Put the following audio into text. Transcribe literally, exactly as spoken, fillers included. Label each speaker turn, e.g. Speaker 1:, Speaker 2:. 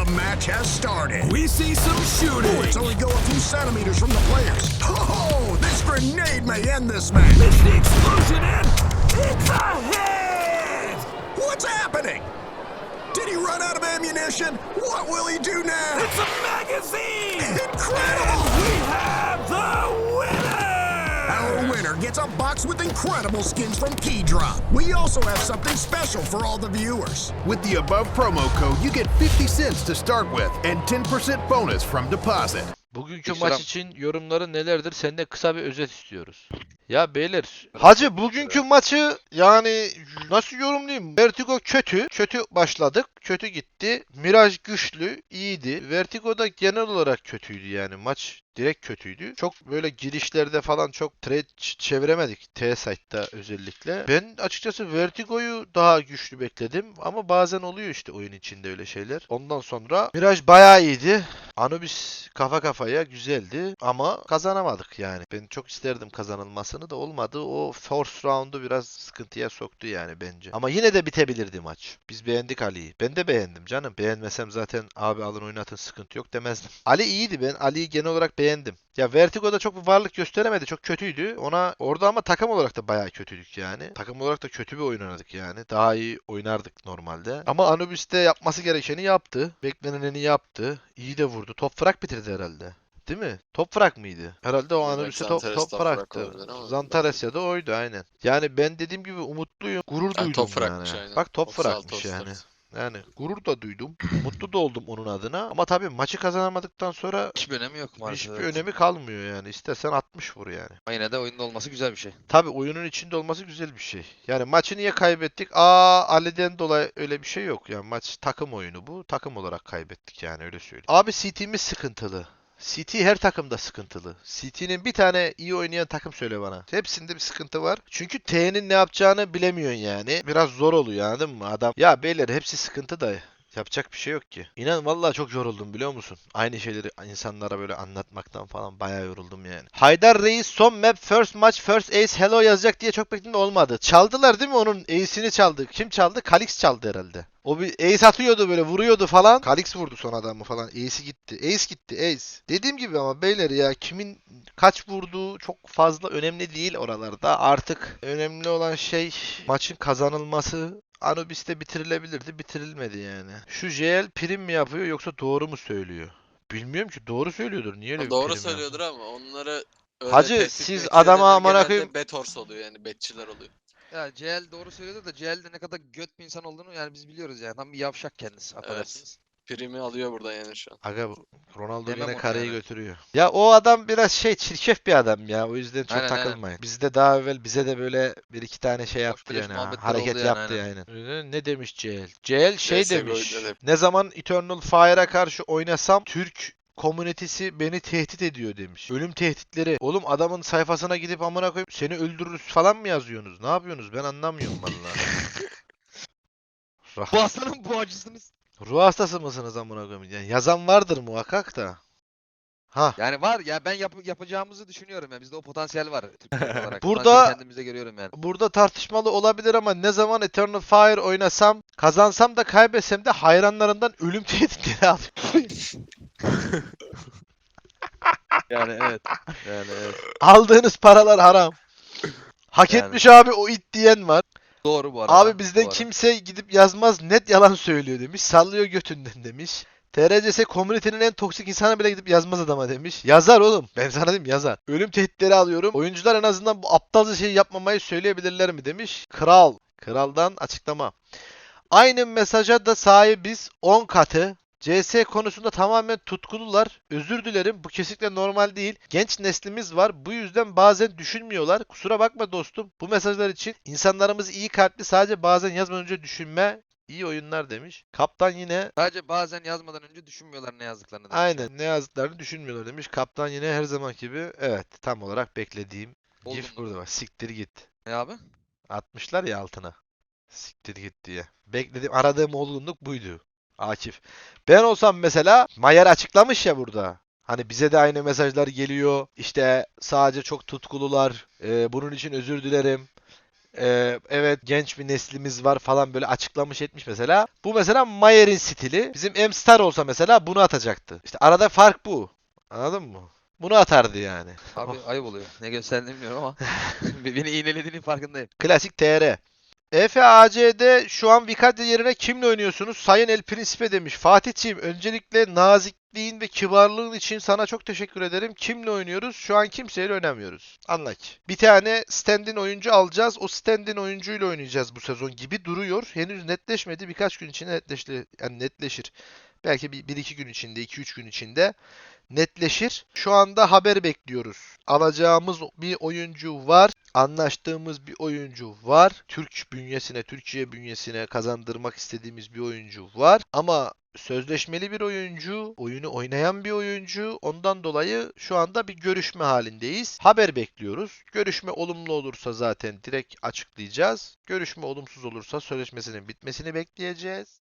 Speaker 1: match has started.
Speaker 2: We see some shooting.
Speaker 1: Bullets only go a few centimeters from the players. Oh, this grenade may end this match.
Speaker 2: It's the explosion and it's a hit!
Speaker 1: What's happening? Did he run out of ammunition? What will he do now?
Speaker 2: It's a magazine!
Speaker 1: Incredible!
Speaker 2: And we have the winner!
Speaker 1: Our winner gets a box with incredible skins from Keydrop. We also have something special for all the viewers.
Speaker 3: With the above promo code, you get fifty cents to start with and ten percent bonus from deposit.
Speaker 4: Bugünkü
Speaker 5: Ekstra-
Speaker 4: maç için yorumları nelerdir? Senden kısa bir özet istiyoruz. Ya beyler,
Speaker 5: Hacı bugünkü maçı yani nasıl yorumlayayım? Vertigo kötü. Kötü başladık. Kötü gitti. Mirage güçlü. İyiydi. Vertigo'da genel olarak kötüydü yani. Maç direkt kötüydü. Çok böyle girişlerde falan çok trade ç- çeviremedik. T-Site'da özellikle. Ben açıkçası Vertigo'yu daha güçlü bekledim. Ama bazen oluyor işte oyun içinde öyle şeyler. Ondan sonra Mirage bayağı iyiydi. Anubis kafa kafaya güzeldi. Ama kazanamadık yani. Ben çok isterdim kazanılmasını da olmadı. O first round'u biraz sıkıntıya soktu yani bence. Ama yine de bitebilirdi maç. Biz beğendik Ali'yi. Ben de beğendim canım. Beğenmesem zaten abi alın oynatın sıkıntı yok demezdim. Ali iyiydi, ben Ali'yi genel olarak beğendim. Ya Vertigo'da çok bir varlık gösteremedi. Çok kötüydü. Ona orada ama takım olarak da bayağı kötüydük yani. Takım olarak da kötü bir oyun oynadık yani. Daha iyi oynardık normalde. Ama Anubis'te yapması gerekeni yaptı. Bekleneneni yaptı. İyi de vurdu. Top frag bitirdi herhalde. Değil mi? Top frag mıydı? Herhalde o
Speaker 6: Belki
Speaker 5: Anubis'te top,
Speaker 6: Zantares
Speaker 5: top
Speaker 6: top frag
Speaker 5: frag'tı.
Speaker 6: olabilir ama-
Speaker 5: Zantares ya da oydu aynen. Yani ben dediğim gibi umutluyum. Gurur
Speaker 6: Yani
Speaker 5: duydum
Speaker 6: top
Speaker 5: yani.
Speaker 6: fragmış aynen.
Speaker 5: Bak top
Speaker 6: otuz altı,
Speaker 5: fragmış
Speaker 6: otuz dört.
Speaker 5: yani. Yani gurur da duydum. Mutlu da oldum onun adına. Ama tabii maçı kazanamadıktan sonra
Speaker 6: Hiçbir önemi yok maalesef.
Speaker 5: hiçbir
Speaker 6: evet.
Speaker 5: önemi kalmıyor yani. İstersen altmış vur yani.
Speaker 6: Ama yine de oyunda olması güzel bir şey.
Speaker 5: Tabii oyunun içinde olması güzel bir şey. Yani maçı niye kaybettik? Aa Ali'den dolayı öyle bir şey yok. Yani maç takım oyunu bu. Takım olarak kaybettik yani öyle söyleyeyim. Abi C T'miz sıkıntılı. C T her takımda sıkıntılı. C T'nin bir tane iyi oynayan takım söyle bana. Hepsinde bir sıkıntı var. Çünkü T'nin ne yapacağını bilemiyorsun yani. Biraz zor oluyor anladın mı? Adam ya beyler hepsi sıkıntı da yapacak bir şey yok ki. İnan vallahi çok yoruldum biliyor musun? Aynı şeyleri insanlara böyle anlatmaktan falan bayağı yoruldum yani. Haydar Reis son map first match first ace hello yazacak diye çok bekledim de olmadı. Çaldılar değil mi onun ace'ini çaldı. Kim çaldı? Kalix çaldı herhalde. O bir ace atıyordu böyle vuruyordu falan. Kalix vurdu son adamı falan. Ace'i gitti. Ace gitti ace. Dediğim gibi ama beyler ya kimin kaç vurduğu çok fazla önemli değil oralarda. Artık önemli olan şey maçın kazanılması. Anubis'te bitirilebilirdi. Bitirilmedi yani. Şu J L prim mi yapıyor yoksa doğru mu söylüyor? Bilmiyorum ki doğru söylüyordur. Niye öyle bir
Speaker 6: Doğru
Speaker 5: prim
Speaker 6: söylüyordur
Speaker 5: yapıyor?
Speaker 6: ama onları öyle
Speaker 5: Hacı,
Speaker 6: tehdit
Speaker 5: siz
Speaker 6: etmek
Speaker 5: adama
Speaker 6: isteyenler
Speaker 5: amına
Speaker 6: genelde
Speaker 5: koyayım-
Speaker 6: betors oluyor yani betçiler oluyor.
Speaker 7: Ya C L doğru söylüyordu da C L'de ne kadar göt bir insan olduğunu yani biz biliyoruz yani. Tam bir yavşak kendisi affedersiniz.
Speaker 6: Primi alıyor burada yani şu an.
Speaker 5: Aga bu Ronaldo
Speaker 7: Demem
Speaker 5: yine
Speaker 7: onu
Speaker 5: kareyi
Speaker 7: yani.
Speaker 5: götürüyor. Ya o adam biraz şey çirkef bir adam ya. O yüzden çok
Speaker 7: Aynen, aynen.
Speaker 5: takılmayın. Bizde daha evvel bize de böyle bir iki tane şey yaptı
Speaker 7: beleş
Speaker 5: yani. ha,
Speaker 7: muhabbetler
Speaker 5: Hareket
Speaker 7: oldu yani,
Speaker 5: yaptı
Speaker 7: aynen.
Speaker 5: yani. Öyle ne demiş C L? C L şey
Speaker 6: C S G O'da
Speaker 5: demiş.
Speaker 6: da-
Speaker 5: Ne zaman Eternal Fire'a karşı oynasam Türk komünitesi beni tehdit ediyor demiş. Ölüm tehditleri. Oğlum adamın sayfasına gidip amına koyup seni öldürürüz falan mı yazıyorsunuz? Ne yapıyorsunuz? Ben anlamıyorum vallahi. Rah-
Speaker 7: Bu hastanın bu acısınız.
Speaker 5: Ruh hastası mısınız amına koyayım? Yani yazan vardır muhakkak da. Ha.
Speaker 7: Yani var ya ben yap yapacağımızı düşünüyorum yani bizde o potansiyel var Türkiye olarak.
Speaker 5: Burada-
Speaker 7: Potansiyeli kendimizde görüyorum yani.
Speaker 5: Burada tartışmalı olabilir ama ne zaman Eternal Fire oynasam, kazansam da kaybetsem de hayranlarından ölüm tehditleri alıyorum.
Speaker 7: Yani evet. Yani evet.
Speaker 5: Aldığınız paralar haram. Hak
Speaker 7: Yani.
Speaker 5: etmiş abi o it diyen var.
Speaker 7: Doğru bu arada.
Speaker 5: Abi bizden
Speaker 7: doğru.
Speaker 5: kimse gidip yazmaz, net yalan söylüyor demiş. Sallıyor götünden demiş. T R C S komünitenin en toksik insanı bile gidip yazmaz adama demiş. Yazar oğlum. Ben sana diyeyim yazar. Ölüm tehditleri alıyorum. Oyuncular en azından bu aptalca şeyi yapmamayı söyleyebilirler mi demiş. Kral. Kraldan açıklama. Aynı mesaja da sahibiz on katı. C S konusunda tamamen tutkulular. Özür dilerim bu kesinlikle normal değil. Genç neslimiz var. Bu yüzden bazen düşünmüyorlar. Kusura bakma dostum. Bu mesajlar için insanlarımız iyi kalpli, sadece bazen yazmadan önce düşünme. İyi oyunlar demiş. Kaptan yine
Speaker 7: Sadece bazen yazmadan önce düşünmüyorlar ne yazdıklarını. demiş.
Speaker 5: aynen ne yazdıklarını düşünmüyorlar demiş. Kaptan yine her zaman gibi evet tam olarak beklediğim
Speaker 7: Oldum
Speaker 5: gif
Speaker 7: mu?
Speaker 5: burada var. Siktir git.
Speaker 7: Ne abi?
Speaker 5: Atmışlar ya altına. Siktir git diye. Beklediğim, aradığım olgunluk buydu. Akif. Ben olsam mesela Mayer açıklamış ya burada. Hani bize de aynı mesajlar geliyor. İşte sadece çok tutkulular. Ee, bunun için özür dilerim. Ee, evet genç bir neslimiz var falan böyle açıklamış etmiş mesela. Bu mesela Mayer'in stili. Bizim M-Star olsa mesela bunu atacaktı. İşte arada fark bu. Anladın mı? Bunu atardı yani.
Speaker 7: Abi ayıp oluyor. Ne gösterdiğini bilmiyorum ama beni iğnelediğinin farkındayım.
Speaker 5: Klasik T R. E F A C'de şu an Vicario yerine kimle oynuyorsunuz? Sayın El Principe demiş. Fatih'ciğim öncelikle nazikliğin ve kibarlığın için sana çok teşekkür ederim. Kimle oynuyoruz? Şu an kimseyle oynamıyoruz. Anla ki. Bir tane stand-in oyuncu alacağız. O stand-in oyuncuyla oynayacağız bu sezon gibi duruyor. Henüz netleşmedi. Birkaç gün içinde netleşti, yani netleşir. Belki bir, bir iki gün içinde, iki üç gün içinde netleşir. Şu anda haber bekliyoruz. Alacağımız bir oyuncu var. Anlaştığımız bir oyuncu var. Türk bünyesine, Türkiye bünyesine kazandırmak istediğimiz bir oyuncu var. Ama sözleşmeli bir oyuncu, oyunu oynayan bir oyuncu. Ondan dolayı şu anda bir görüşme halindeyiz. Haber bekliyoruz. Görüşme olumlu olursa zaten direkt açıklayacağız. Görüşme olumsuz olursa sözleşmesinin bitmesini bekleyeceğiz.